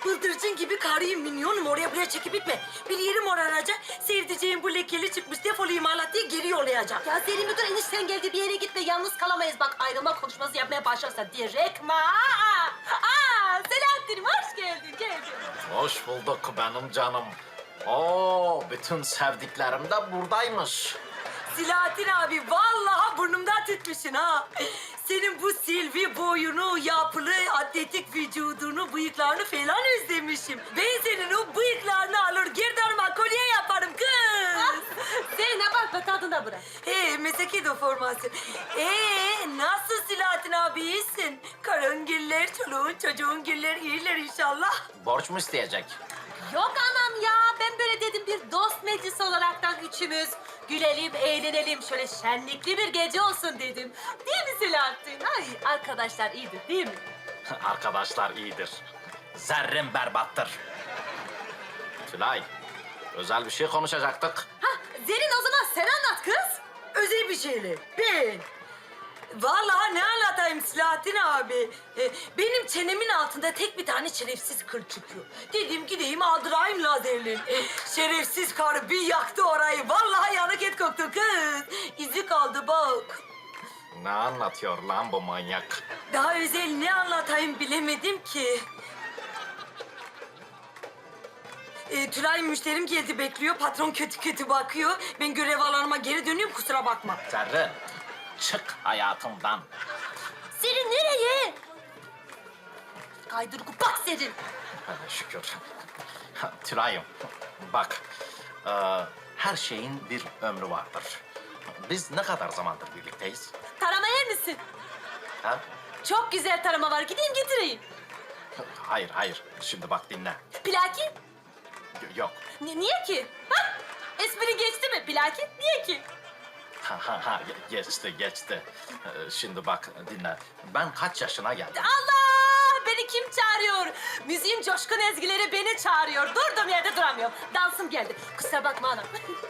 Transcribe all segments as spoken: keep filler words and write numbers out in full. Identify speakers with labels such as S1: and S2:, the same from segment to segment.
S1: Bıldırcın gibi karıyım, minyonum. Oraya buraya çekip gitme. Bir yerim moraracak. Sevdiceğim bu lekeli çıkmış, defol imalat diye geri yollayacak.
S2: Ya Zerrin bir dur, enişten geldi, bir yere gitme. Yalnız kalamayız. Bak ayrılma konuşması yapmaya başlarsa direkt ma. Aa, aa, Selahattin'im hoş geldin, geldin.
S3: Hoş bulduk benim canım. Oo, bütün sevdiklerim de buradaymış.
S1: Silahattin abi, vallahi burnumdan tütmüşsün ha. Senin bu silvi boyunu, yapılı, atletik vücudunu, bıyıklarını falan özlemişim. Ben senin o bıyıklarını alır, gerdanıma kolye yaparım kız.
S2: Zerrin'e bakma, tadına bırak.
S1: He, mesleki deformasyon. Ee, nasıl Silahattin abi, iyisin? Karın giller, çoluğun çocuğun giller iyiler inşallah.
S3: Borç mu isteyecek?
S2: Yok anam ya, ben böyle dedim, bir dost meclisi olaraktan üçümüz gülelim, eğlenelim, şöyle şenlikli bir gece olsun dedim. Değil mi Selahattin? Ay, arkadaşlar iyidir değil mi?
S3: Arkadaşlar iyidir. Zerrin berbattır. Tülay, özel bir şey konuşacaktık.
S2: Hah, Zerrin o zaman sen anlat kız.
S1: Özel bir şeyler. Ben. Vallahi ne anlatayım Silahattin abi. Ee, benim çenemin altında tek bir tane şerefsiz kıl çıkıyor. Dedim gideyim aldırayım lazerle. Ee, şerefsiz karı bir yaktı orayı. Vallahi yanık et koktu kız. İzi kaldı bak.
S3: Ne anlatıyor lan bu manyak?
S1: Daha özel ne anlatayım bilemedim ki. Ee, Tülay müşterim geldi bekliyor. Patron kötü kötü bakıyor. Ben görev alanıma geri dönüyorum, kusura bakma.
S3: Zerrin, çık hayatımdan.
S2: Zerrin nereye? Kaydırgu bak Zerrin.
S3: Hadi şükür. Tülay'ım, bak, e, her şeyin bir ömrü vardır. Biz ne kadar zamandır birlikteyiz?
S2: Tarama yer misin?
S3: Ha?
S2: Çok güzel tarama var, gideyim getireyim.
S3: Hayır, hayır. Şimdi bak dinle.
S2: Plaki?
S3: Y- Yok.
S2: Ni- niye ki? Ha? Espri geçti mi plaki? Niye ki?
S3: Ha, ha, ha, ge- geçti, geçti. Ee, Şimdi bak dinle. Ben kaç yaşına geldim?
S2: Allah! Beni kim çağırıyor? Müziğin coşkun ezgileri beni çağırıyor. Durduğum yerde duramıyorum. Dansım geldi. Kusura bakma anam.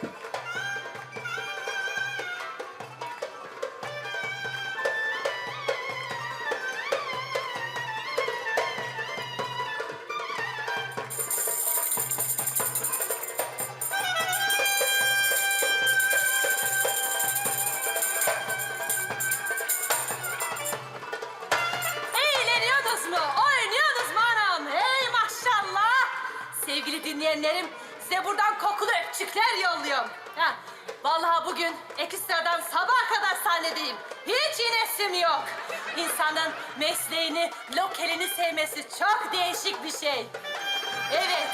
S2: Eğleniyorsunuz mu? Oynuyorsunuz mu anam? Hey maşallah! Sevgili dinleyenlerim, size buradan kokulu öpücükler yolluyorum. Ha, vallahi bugün ekstradan sabaha kadar sahnedeyim. Hiç inesim yok. İnsanın mesleğini, lokalini sevmesi çok değişik bir şey. Evet.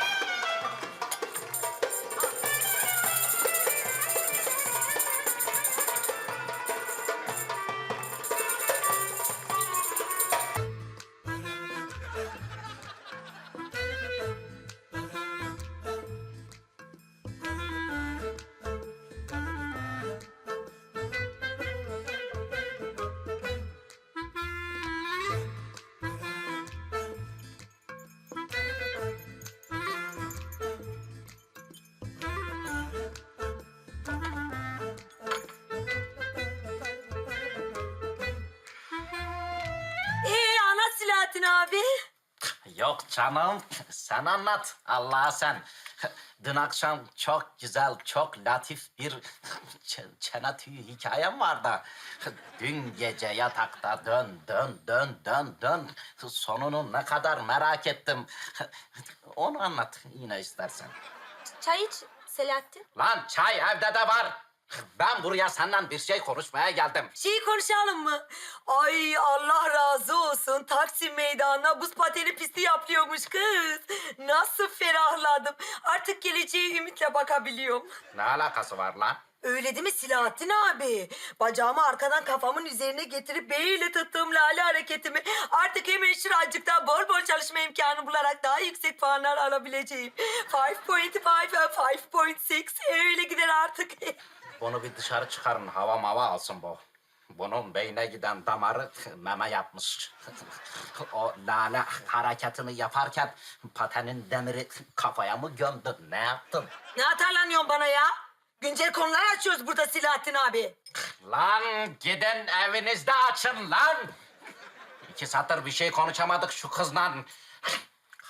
S1: Ee, ana Silahattin abi.
S3: Yok canım. Sen anlat. Allah'a sen. Dün akşam çok güzel, çok latif bir ç- çene tüyü hikayem vardı. Dün gece yatakta dön, dön, dön, dön, dön. Sonunu ne kadar merak ettim. Onu anlat yine istersen.
S2: Çay iç Selahattin.
S3: Lan çay evde de var. Ben buraya senden bir şey konuşmaya geldim.
S1: Şeyi konuşalım mı? Ay Allah razı olsun. Taksim meydanına buz pateni pisti yapıyormuş kız. Nasıl ferahladım. Artık geleceğe ümitle bakabiliyorum.
S3: Ne alakası var lan?
S1: Öyle değil mi Silahattin abi? Bacağımı arkadan kafamın üzerine getirip beyiyle tuttuğum lale hareketimi artık hemen şuracıkta bol bol çalışma imkanı bularak daha yüksek puanlar alabileceğim. beş nokta beş, beş nokta altı öyle gider artık.
S3: Bunu bir dışarı çıkarın, hava mava alsın bu. Bunun beyne giden damarı meme yapmış. O lale hareketini yaparken patenin demiri kafaya mı gömdün, ne yaptın?
S1: Ne atarlanıyorsun bana ya? Güncel konular açıyoruz burada Silahattin abi.
S3: Lan gidin evinizde açın lan! İki satır bir şey konuşamadık şu kızla.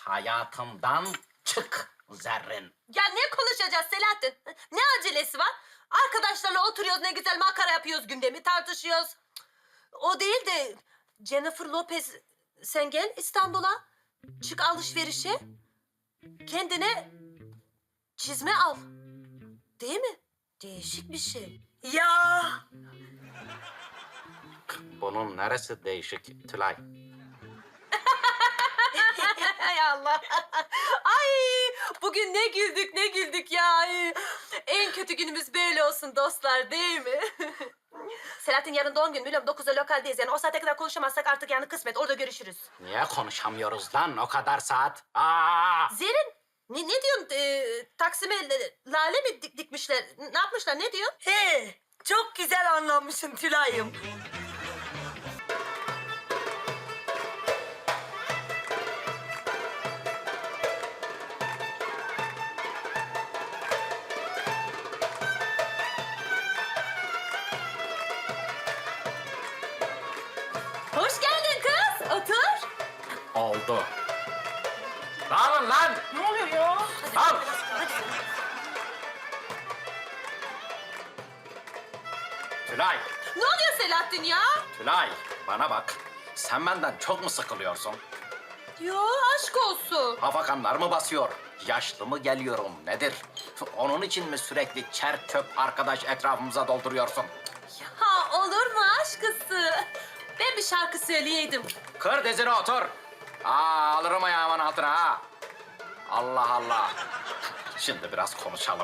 S3: hayatımdan çık Zerrin.
S2: Ya ne konuşacağız Selahattin? Ne acelesi var? Arkadaşlarla oturuyoruz, ne güzel makara yapıyoruz, gündemi tartışıyoruz. O değil de Jennifer Lopez, sen gel İstanbul'a, çık alışverişe, kendine çizme al. Değil mi? Değişik bir şey.
S1: Ya
S3: Bunun neresi değişik Tülay?
S2: Hay Allah. Ay bugün ne güldük ne güldük ya. Ay, en kötü günümüz böyle olsun dostlar değil mi? Selahattin yarın doğum günü biliyorum dokuzda lokaldeyiz. Yani o saate kadar konuşamazsak artık yani kısmet orada görüşürüz.
S3: Niye konuşamıyoruz lan o kadar saat? Aa!
S2: Zerin ne, ne diyorsun? Ee, Taksim'e e, lale mi dik- dikmişler? Ne yapmışlar ne diyorsun?
S1: he, çok güzel anlamışsın Tülay'ım.
S2: Hoş geldin kız. Otur.
S3: Oldu. Dağılın lan!
S2: Ne oluyor ya?
S3: Al! Tülay,
S2: Ne oluyor Selahattin ya?
S3: Tülay bana bak. Sen benden çok mu sıkılıyorsun?
S2: Yo aşk olsun.
S3: Hafakanlar mı basıyor? Yaşlı mı geliyorum nedir? Onun için mi sürekli çer çöp arkadaş etrafımıza dolduruyorsun?
S2: Ha olur mu aşkısı? Ben bir şarkı söyleyeydim.
S3: Kır dizine otur. Aa, alırım ayağımın altına ha. Allah Allah. Şimdi biraz konuşalım.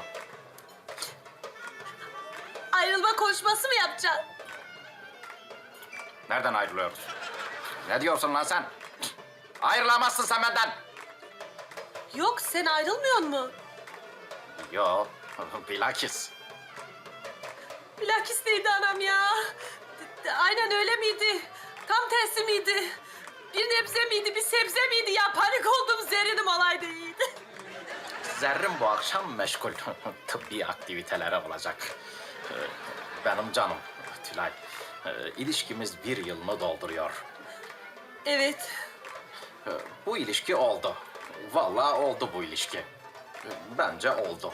S2: Ayrılma konuşması mı yapacaksın?
S3: Nereden ayrılıyoruz? Ne diyorsun lan sen? Ayrılamazsın sen benden.
S2: Yok sen ayrılmıyor mu?
S3: Yo, bilakis.
S2: Bilakis neydi anam ya? D- d- Aynen öyle miydi? Tam tersi miydi? Bir nebze miydi, bir sebze miydi ya? Panik oldum, zerrinim olaydı iyiydi.
S3: Zerrin bu akşam meşgul. Tıbbi aktivitelere olacak. Ee, Benim canım Tülay. ee, ilişkimiz bir yılını dolduruyor.
S2: Evet.
S3: Ee, Bu ilişki oldu. Vallahi oldu bu ilişki. Ee, Bence oldu.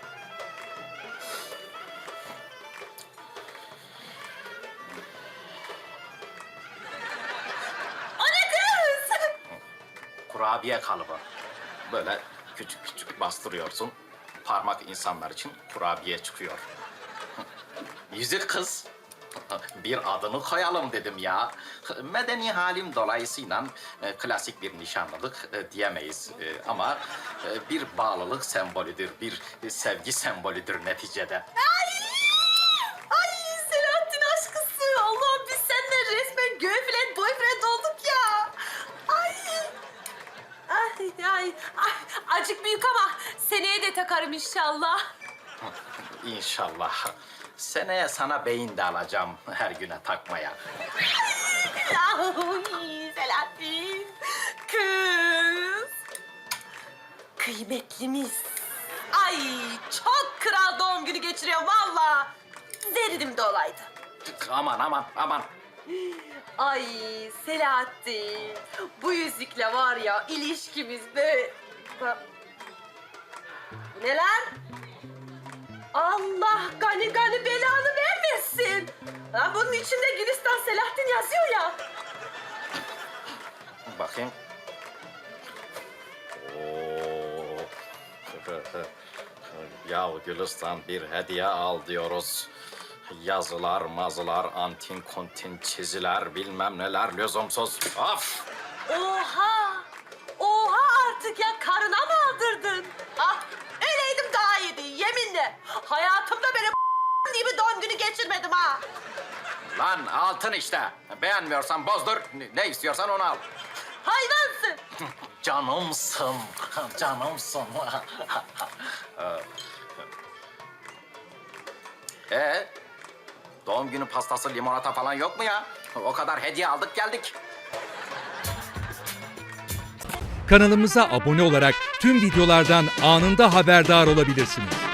S2: O ne kız?
S3: Kurabiye kalıbı. Böyle küçük küçük bastırıyorsun. Parmak insanlar için kurabiye çıkıyor. Yüzük kız. Bir adını koyalım dedim ya. Medeni halim dolayısıyla e, klasik bir nişanlılık e, diyemeyiz. E, ama e, bir bağlılık sembolüdür, bir sevgi sembolüdür neticede.
S2: Ay! Ay Selahattin aşkısı. Allah'ım biz seninle resmen girlfriend boyfriend olduk ya. Ay! Ay ay ay. Acık büyük ama seneye de takarım inşallah.
S3: İnşallah. Seneye sana beyin de alacağım her güne takmaya.
S2: Ay Selahattin. Kız. Kıymetlimiz. Ay çok kral doğum günü geçiriyor valla. Zerrinim de olaydı.
S3: Aman aman aman.
S2: Ay Selahattin. Bu yüzükle var ya ilişkimiz böyle... Ba- Bu ne lan? Allah gani gani belanı vermesin. Ha, bunun içinde Gülistan Selahattin yazıyor ya.
S3: Bakayım. Oo. Ya Gülistan bir hediye al diyoruz. Yazılar, mazılar, antin kontin çiziler, bilmem neler lüzumsuz. Of!
S2: Oha! Oha artık ya karına mı aldırdın? Ah öyleydim daha iyiydi yeminle. Hayatımda böyle gibi doğum günü geçirmedim ha.
S3: Lan altın işte. Beğenmiyorsan bozdur, ne istiyorsan onu al.
S2: Hayvansın.
S3: Canımsın, canımsın. Ee, doğum günü pastası, limonata falan yok mu ya? O kadar hediye aldık geldik.
S4: Kanalımıza abone olarak tüm videolardan anında haberdar olabilirsiniz.